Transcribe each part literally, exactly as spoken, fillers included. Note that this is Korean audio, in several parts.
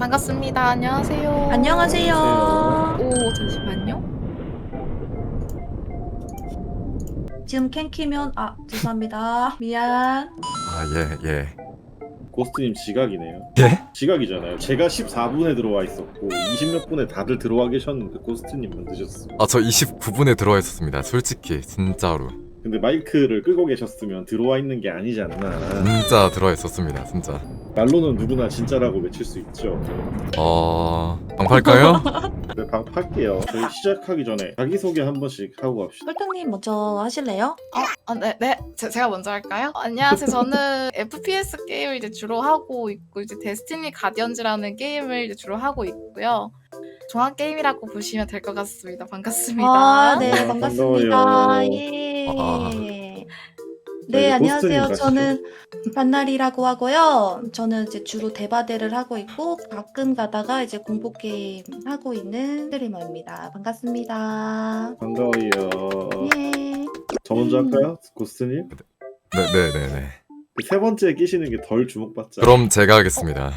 반갑습니다. 안녕하세요. 안녕하세요. 오, 잠시만요. 지금 캔 키면 아 죄송합니다. 미안. 아, 예, 예. 고스트님 지각이네요. 예? 지각이잖아요. 제가 십사 분에 들어와 있었고 이십 몇 분에 다들 들어와 계셨는데 고스트님만 늦었어. 아, 저 이십구 분에 들어와 있었습니다. 솔직히, 진짜로. 근데 마이크를 끄고 계셨으면 들어와 있는 게 아니지 않나. 진짜 들어와 있었습니다, 진짜. 말로는 누구나 진짜라고 외칠 수 있죠. 어... 방팔까요? 네, 방 팔게요. 저희 시작하기 전에 자기소개 한 번씩 하고 갑시다. 설탕님 먼저 하실래요? 아, 네, 네. 제, 제가 먼저 할까요? 어, 안녕하세요. 저는 에프피에스 게임을 이제 주로 하고 있고, 이제 데스티니 가디언즈라는 게임을 이제 주로 하고 있고요. 종합 게임이라고 보시면 될 것 같습니다. 반갑습니다. 아, 네, 아, 반갑습니다. 반가워요. 예. 아. 네, 네, 안녕하세요. 고스트님 저는 반나리라고 하고요. 저는 이제 주로 대바대를 하고 있고 가끔 가다가 이제 공포 게임 하고 있는 스트리머입니다. 반갑습니다. 반가워요. 예. 저 먼저 음. 할까요? 고스트님? 네네네네. 그 세 번째 끼시는 게 덜 주목받지 않아요? 그럼 제가 하겠습니다.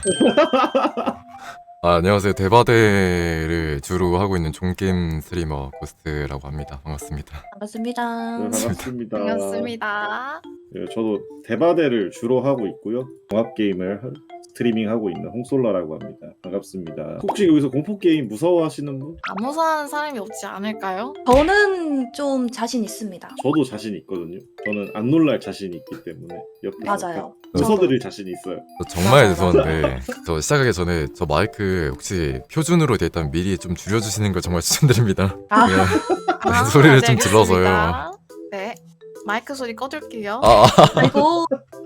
아, 안녕하세요. 대바대를 주로 하고 있는 종게임 스트리머 고스트라고 합니다. 반갑습니다. 반갑습니다. 네, 반갑습니다. 반갑습니다. 네, 저도 대바대를 주로 하고 있고요. 종합 게임을 하- 스트리밍하고 있는 홍솔라라고 합니다. 반갑습니다. 혹시 여기서 공포 게임 무서워하시는 분? 안 무서워하는 사람이 없지 않을까요? 저는 좀 자신 있습니다. 저도 자신 있거든요. 저는 안 놀랄 자신이 있기 때문에 옆에서 맞아요. 웃어드릴 자신이 있어요. 저 정말 맞아, 죄송한데 저 시작하기 전에 저 마이크 혹시 표준으로 돼 있다면 미리 좀 줄여주시는 걸 정말 추천드립니다. 아. 네. 아, 소리를 네, 좀 질러서요. 알겠습니다. 네. 마이크 소리 꺼둘게요. 아, 아, 아이고.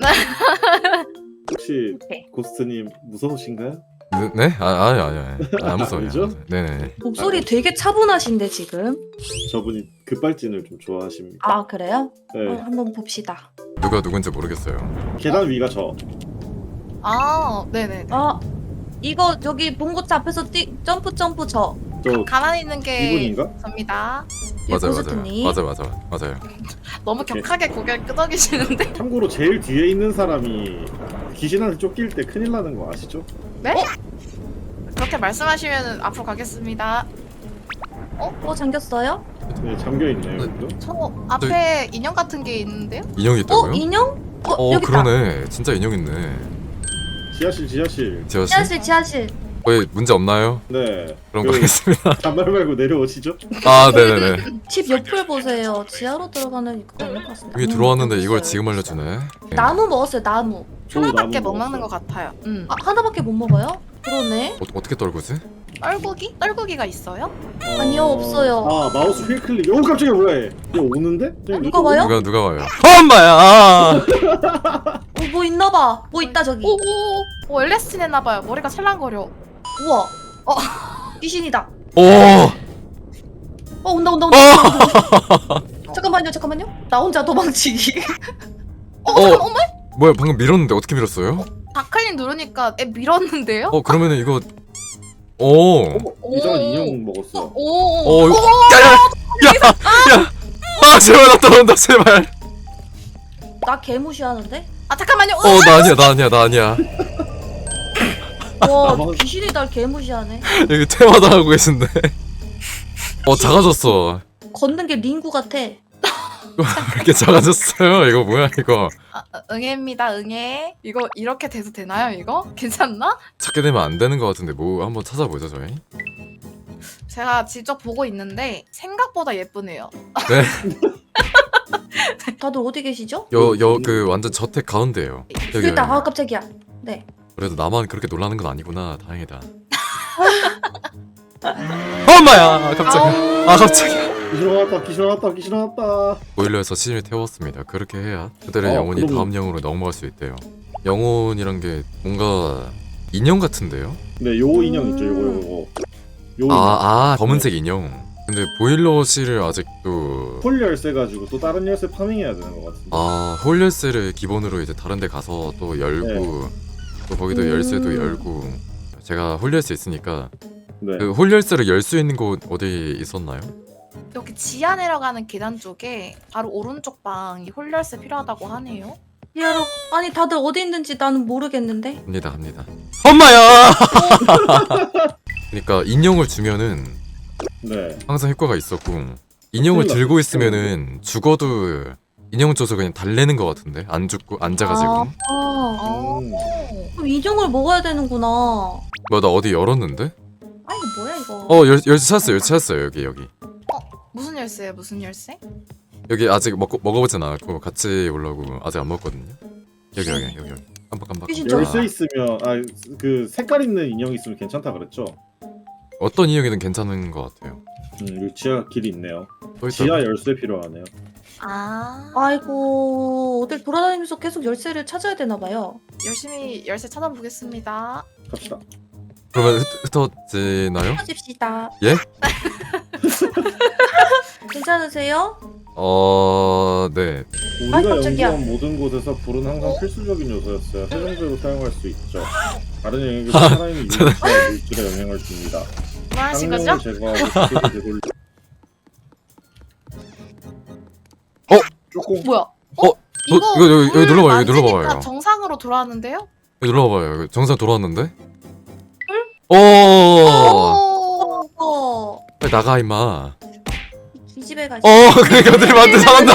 혹시 오케이. 고스트님 무서우신가요? 네? 네? 아, 아니, 아니, 아니. 아, 안 무서워요. 아니죠? 안 무서워요. 네네. 목소리 되게 차분하신데 지금. 저분이 급발진을 좀 좋아하십니다. 아 그래요? 네. 어, 한번 봅시다. 누가 누군지 모르겠어요. 계단 위가 저. 아, 네네. 아 이거 저기 봉고차 앞에서 뛰 점프 점프 저. 저 가만히 있는 게 이분인가? 접니다. 예, 맞아요, 맞아요. 고스트님. 맞아요, 맞아요, 맞아요. 너무 오케이. 격하게 고개를 끄덕이시는데. 참고로 제일 뒤에 있는 사람이 귀신한테 쫓길 때 큰일 나는 거 아시죠? 네? 그렇게 말씀하시면 앞으로 가겠습니다. 어 잠겼어요? 네, 잠겨 있네요. 네. 여기도. 저 앞에 인형 같은 게 있는데요? 인형이 어 있다고요? 인형? 어, 어, 여기 있다. 그러네. 진짜 인형 있네. 지하실 지하실. 지하실? 지하실 지하실. 왜 문제 없나요? 네. 그럼 그 가겠습니다. 잔말 말고 내려오시죠. 아, 네네네. 집 옆을 보세요. 지하로 들어가는 이거 아닐 것 같습니다. 여기 음, 들어왔는데 여기 이걸 있어요. 지금 알려주네. 네. 나무 먹었어요. 나무. 저도 하나밖에 나무 못 먹는 먹었어요. 것 같아요. 음. 아 하나밖에 못 먹어요? 그러네. 어, 어떻게 떨구지? 떨구기? 떨구기가 있어요? 아니요, 없어요. 아 마우스 휠 클릭. 오 깜짝이야 뭐야 얘. 얘 오는데? 저기 누가 누구 와요? 누가 누가 와요? 엄마야! 아! 어, 뭐 있나봐. 뭐 있다 저기. 오오 오, 엘에스티 냈나봐요. 머리가 찰랑거려. 우와. 어. 귀신이다. 오! 어 온다 온다 온다. 잠깐만요 잠깐만요. 나 혼자 도망치기. 어, 어. 잠깐, 어머? 뭐야, 방금 밀었는데 어떻게 밀었어요? 다클린 누르니까 애 밀었는데요? 어, 그러면은 이거 오. 어머 이상한 인형 먹었어. 오. 어, 이거 야야야! 야! 야! 아, 제발 나 떨어온다, 제발. 나 개무시하는데? 아 잠깐만요. 어, 나 아니야, 나 아니야, 나 아니야. 와 나만- 귀신이 날 개무시하네. 여기 퇴마다 하고 계신데. 어, 작아졌어. 걷는 게 링구 같아. 이렇게 작아졌어요. 이거 뭐야, 이거. 아, 응애입니다. 응애. 이거 이렇게 돼도 되나요? 이거 괜찮나? 찾게 되면 안 되는 것 같은데 뭐 한번 찾아보죠, 저희. 제가 직접 보고 있는데 생각보다 예쁘네요. 네. 다들 어디 계시죠? 여, 여, 그 완전 저택 가운데예요. 여기 있다. 아 깜짝이야. 네. 그래도 나만 그렇게 놀라는 건 아니구나. 다행이다. 엄마야! 갑자기. 아, 갑자기. 귀신 나왔다 귀신 나왔다 귀신 나왔다. 보일러에서 시신을 태웠습니다. 그렇게 해야 그들의 어, 영혼이 그럼- 다음 영으로 넘어갈 수 있대요. 영혼이란 게 뭔가 인형 같은데요? 네, 요 인형 있죠, 요거 요거. 요 인형. 아, 아, 검은색 인형. 근데 보일러실을 아직도 홀 열쇠 가지고 또 다른 열쇠 파밍해야 되는 것 같은데. 아, 홀 열쇠를 기본으로 이제 다른 데 가서 또 열고 네. 또 거기도 음. 열쇠도 열고 제가 홀 열쇠 있으니까 네. 그 홀 열쇠를 열 수 있는 곳 어디 있었나요? 여기 지하 내려가는 계단 쪽에 바로 오른쪽 방이 홀열쇠 필요하다고 하네요. 지하로. 아니 다들 어디 있는지 나는 모르겠는데. 갑니다 갑니다. 엄마야. 그러니까 인형을 주면은 네. 항상 효과가 있었고 인형을 큰일 들고 났어. 있으면은 죽어도 인형 줘서 그냥 달래는 것 같은데 안 죽고 앉아가지고. 아, 어. 음. 그럼 인형을 먹어야 되는구나. 뭐 나 어디 열었는데? 아 이거 뭐야 이거. 어 열, 열쇠 찾았어요 열쇠 찾았어요 여기 여기 무슨 열쇠예요? 무슨 열쇠? 여기 아직 먹, 먹어보진 않았고 같이 올라오고 아직 안 먹었거든요. 여기 여기 여기 여기 깜빡 깜빡. 귀신 깜빡. 열쇠 있으면 아 그 색깔 있는 인형이 있으면 괜찮다 그랬죠? 어떤 인형이든 괜찮은 것 같아요. 음, 여기 지하 길이 있네요. 또 있다. 지하 열쇠 필요하네요. 아. 아이고 어딜 돌아다니면서 계속 열쇠를 찾아야 되나 봐요. 열심히 열쇠 찾아보겠습니다. 갑시다. 그러면 흩, 흩어지나요? 찾읍시다. 예? 괜찮으세요? 어... 네. 우리가 아이, 깜짝이야. 연구한 모든 곳에서 불은 항상 필수적인 요소였어요. 세정제로 사용할 수 있죠. 다른 영역에서 아, 살아있는 유기체와 물질에 영향을 줍니다. 뭐 하신 쌍용을 거죠? 제거하고 기계를 되돌리. 어? 조금 뭐야? 어? 저, 이거 여기, 여기 물 눌러봐요 여기 만지니까 눌러봐요 정상으로 돌아왔는데요? 여기 눌러봐요 여기 정상 돌아왔는데? 오! 오. 어. 빨리 나가 임마. 이 집에 가시. 어 그러니까 들이만데 잘한다.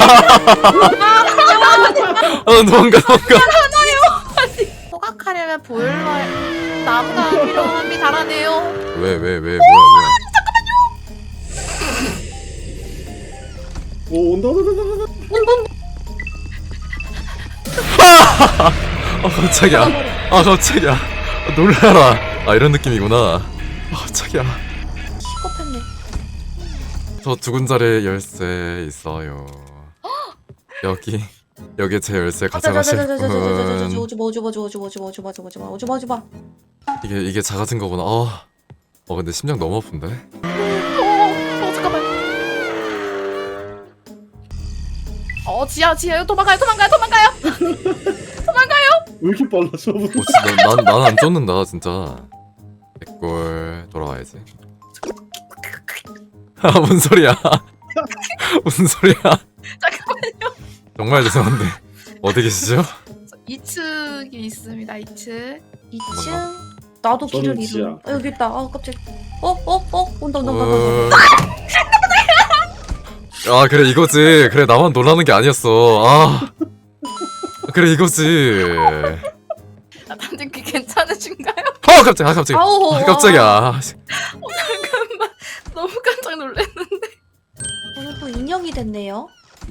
어 도망가 도망가. 호각하려면 보일러에 나무가 필요합니다라네요. 왜 왜 왜 뭐야 오 온다 온다 온다 온다. 뭐야. 아 깜짝이야. 아 깜짝이야. 아, 놀라라. 아 이런 느낌이구나. 아 깜짝이야. 시겁했네. 저 두근 자리에 열쇠 있어요. 여기 여기 제 열쇠 가져가실 분. 오지마 오지마 오지마 오지마 오지마 오지마 오지마 오지마 오지마 오지마. 이게 이게 작아진 거구나. 어. 어 근데 심장 너무 아픈데. 어, 어 잠깐만. 어 지하 지하 도망가요 도망가요 도망가요. 왜 이렇게 빨라 저분? 어 진짜 난난안 쫓는다 진짜. 백골 돌아와야지. 아 뭔 소리야? 무슨 소리야? 잠깐만요. 정말 죄송한데 어디 계시죠? 이 층이 있습니다. 이 층. 이 층. 나도 길을 저는 지하. 잃어. 아, 여기 있다. 아 깜짝. 어어어 온다 온다 온다. 어... 온다. 아 그래 이거지. 그래 나만 놀라는 게 아니었어. 아 그래 이거지. 아, 단님 그 괜찮으신가요? 어 깜짝 아 깜짝. 아우. 아 깜짝이야. 어, 잠깐만. 너무 깜짝 놀랐는데. 오늘 또 인형이 됐네요.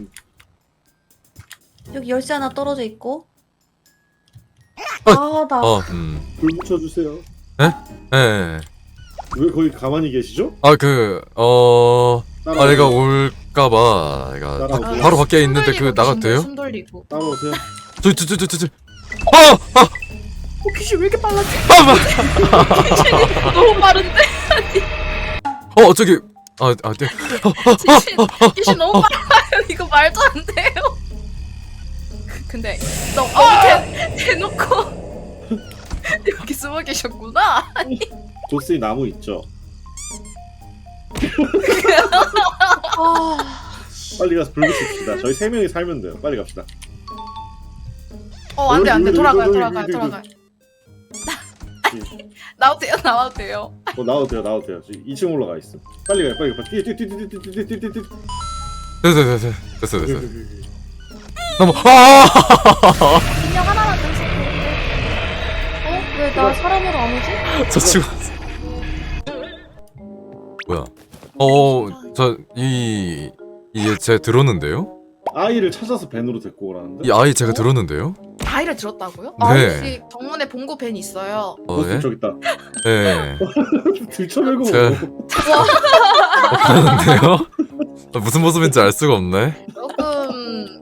여기 열쇠 하나 떨어져 있고. 어. 아 나. 어 음. 불 붙여주세요. 예. 예. 왜 거기 가만히 계시죠? 아그 어. 따라 아 내가 올까봐 내가 따라오세요. 바, 바로 밖에 있는데 그 숨 돌리고 나가도 돼요? 숨 돌리고. 따라오세요. 저저저저저 아! 아! 어 귀신 왜 이렇게 빨라지? 아! 마- 귀신이 너무 빠른데? 어 저기 아, 아, 네. 귀신, 귀신 너무 빨라요. 이거 말도 안 돼요. 근데 너무 대, 대놓고 여기 숨어 계셨구나. 조스이 나무 있죠? 아. 빨리 가서 불 붙입시다. 저희 세 명이 살면 돼요. 빨리 갑시다. 어 안돼 안돼 여기, 돌아가요 여기, 돌아가요 여기, 여기, 돌아가요. 나와도 돼요 나와도 돼요. 어 나와도 돼요 나와도 돼요. 지금 이 층 올라가 있어. 빨리 가요 빨리 가. 뛰어 뛰어 뛰어 뛰어 뛰어 뛰어 뛰어 뛰어. 됐어 됐어 됐어 됐어 너무 아! 인형 하나만 더 있으면 어? 왜 나 사람으로 안 오지? 저 친구 뭐야? 어저이 이게 제가 들었는데요? 아이를 찾아서 밴으로 데리고 오라는데? 이 아이 제가 들었는데요? 아이를 들었다고요? 네. 아 혹시 정문에 봉고 벤 있어요? 어 보스 예? 저기 있다. 네. 들쳐내고 제가- 없는데요? 무슨 모습인지 알 수가 없네. 조금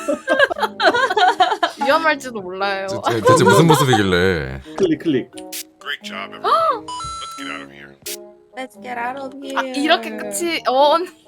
위험할지도 몰라요. 저- 저- 대체 무슨 모습이길래? 클릭 클릭. Great job, everyone. Let's get out of here. Let's get out of here. 아, 이렇게 끝이 어 언니